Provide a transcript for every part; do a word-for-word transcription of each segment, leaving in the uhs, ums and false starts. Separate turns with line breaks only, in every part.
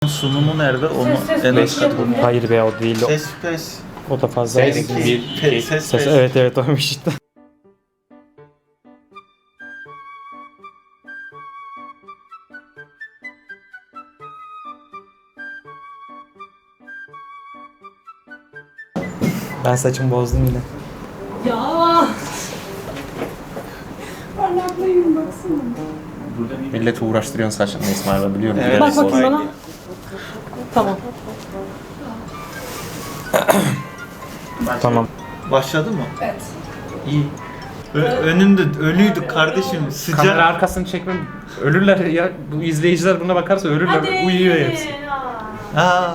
sunumu nerede? Onu
Ses, ses,
en
ses
az
yapın.
katılım.
Hayır be, o değil. O,
Ses pes.
o da fazla.
Ses,
Ses,
bir,
Pe-
iki.
ses
ses,
pes.
evet evet oymuş işte. Ben saçımı bozdum yine.
Ya. Parlaklıyım baksana.
Milleti uğraştırıyorsun saçını İsmail, biliyorum.
Evet.
Bak bakayım
olay
bana.
değil.
Tamam.
Tamam.
Başladı mı?
Evet.
İyi. Ö- önünde ölüydü kardeşim. Sıcak.
Kamera arkasını çekmem. Ölürler ya. Bu izleyiciler buna bakarsa ölürler. Uyuyor hepsi.
Aa.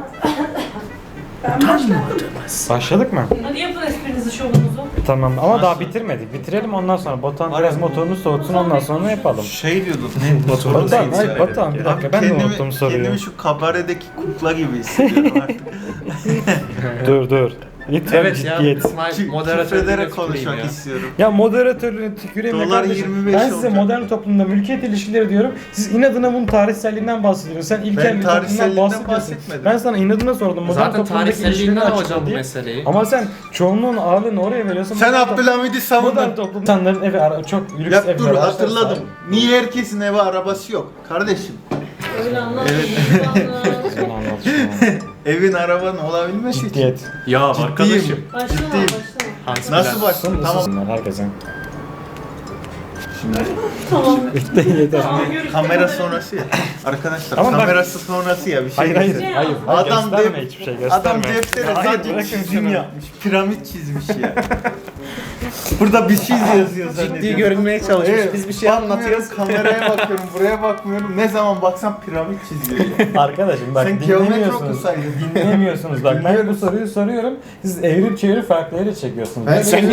Başladık mı?
Hadi yapın esprinizi, şovunuzu.
Tamam ama daha bitirmedik. Bitirelim ondan sonra. Batuhan
Var
biraz
ya.
motorunu soğutsun, ondan sonra yapalım.
Şey diyordun. Ne?
Motor-
Soru
Batuhan,
neydi?
hayır Batuhan bir dakika, ben de
Kendimi-
unuttum soruyu.
Kendimi şu kabaredeki kukla gibi hissediyorum artık.
Dur dur. Lütfen
Evet ya,
ciddiyet.
İsmail
Kü-
moderatörlüğüne
Küfrederek
tüküreyim
konuşmak
ya.
istiyorum.
Ya moderatörlüğüne tüküreyim ya
Dolar
kardeşim.
yirmi beş
Ben size
olacak.
modern toplumda mülkiyet ilişkileri diyorum. Siz inadına bunun tarihselliğinden bahsediyorsun. Sen ilkel
Ben
bir toplumdan
tarihselliğinden
bahsediyorsun.
bahsetmedim.
Ben sana inadına sordum. Modern
Zaten
toplumdaki ilişkileri
tarihselliğinden
açıkla
alacağım bu
diye.
meseleyi.
Ama sen çoğunluğun ağırlığını oraya veriyorsun.
Sen
Modern toplum-
Abdülhamid'i
Modern
savundun.
toplum insanların evi ara- çok lüks
Ya
evler.
dur
araçlar
hatırladım.
sahip.
Niye herkesin evi arabası yok? Kardeşim.
Öyle anlatmayın.
Sen anlat şunu.
Evin arabanın olabilmesi için.
Ciddiyet.
Ya
Ciddiyim.
arkadaşım.
Başlama,
Ciddiyim.
başlama.
Hans
Nasıl
Bilen.
başladın? Tamam.
Tamam. Herkese.
Şimdi
Tamam.
Yeter.
Tamam, görüşürüz.
kamera sonrası ya. Arkadaşlar
Ama bak-
kamerası sonrası ya bir şey.
Hayır hayır.
göstereyim.
Hayır. hayır.
Adam
gösterme
de-
hiçbir şey gösterme.
Adam deftere
Ya hayır,
sadece
bırakın
çizim
şunu.
yapmış. Piramit çizmiş ya. Burada bir şey yazıyor zannediyorum.
Ciddi görünmeye çalışmış.
Evet,
Biz bir şey
bakmıyorum,
anlatıyoruz.
Kameraya bakıyorum, buraya bakmıyorum. Ne zaman baksam piramit çiziyor.
Arkadaşım bak
Sen geometri
dinlemiyorsunuz.
okusaydın.
Dinlemiyorsunuz bak ben bu
Dinliyoruz.
soruyu soruyorum. Siz evirip çevirip farklı yere çekiyorsunuz.
Ben
Ben
Sen niye